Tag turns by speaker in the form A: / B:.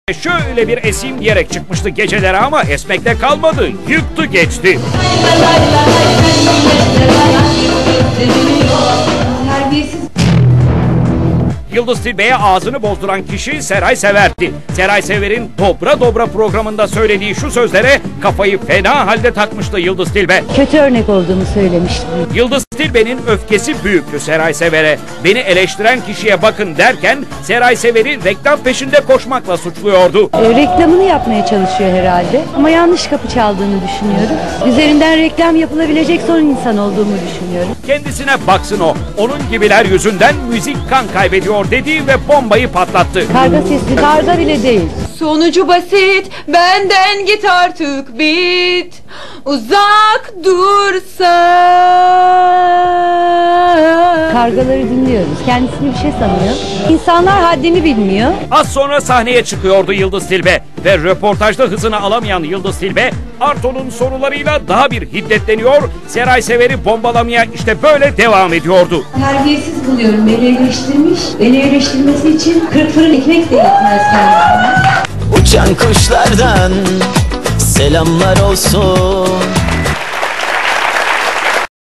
A: Şöyle bir eseyim diyerek çıkmıştı gecelere ama esmekte kalmadı. Yıktı geçti. Yıldız Tilbe'ye ağzını bozduran kişi Seray Sever'di. Seray Sever'in Dobra Dobra programında söylediği şu sözlere kafayı fena halde takmıştı Yıldız Tilbe.
B: Kötü örnek olduğumu söylemiştim.
A: Yıldız Tilbe'nin öfkesi büyüktü Seray Sever'e. Beni eleştiren kişiye bakın derken Seray Sever'i reklam peşinde koşmakla suçluyordu.
B: Reklamını yapmaya çalışıyor herhalde ama yanlış kapı çaldığını düşünüyorum. Üzerinden reklam yapılabilecek son insan olduğumu düşünüyorum.
A: Kendisine baksın o. Onun gibiler yüzünden müzik kan kaybediyor dedi ve bombayı patlattı.
B: Karga sesli, karga bile değil.
C: Sonucu basit, benden git artık bit. Uzak dursa.
B: Kargaları dinliyoruz. Kendisini bir şey sanıyor. İnsanlar haddini bilmiyor.
A: Az sonra sahneye çıkıyordu Yıldız Tilbe ve röportajda hızını alamayan Yıldız Tilbe Arto'nun sorularıyla daha bir hiddetleniyor. Seray Sever'i bombalamaya işte böyle devam ediyordu.
B: Terbiyesiz buluyorum. Beni eleştirmiş. Beni eleştirmesi için 40 fırın ekmek de yetmez kendisine.
D: Uçan kuşlardan selamlar olsun.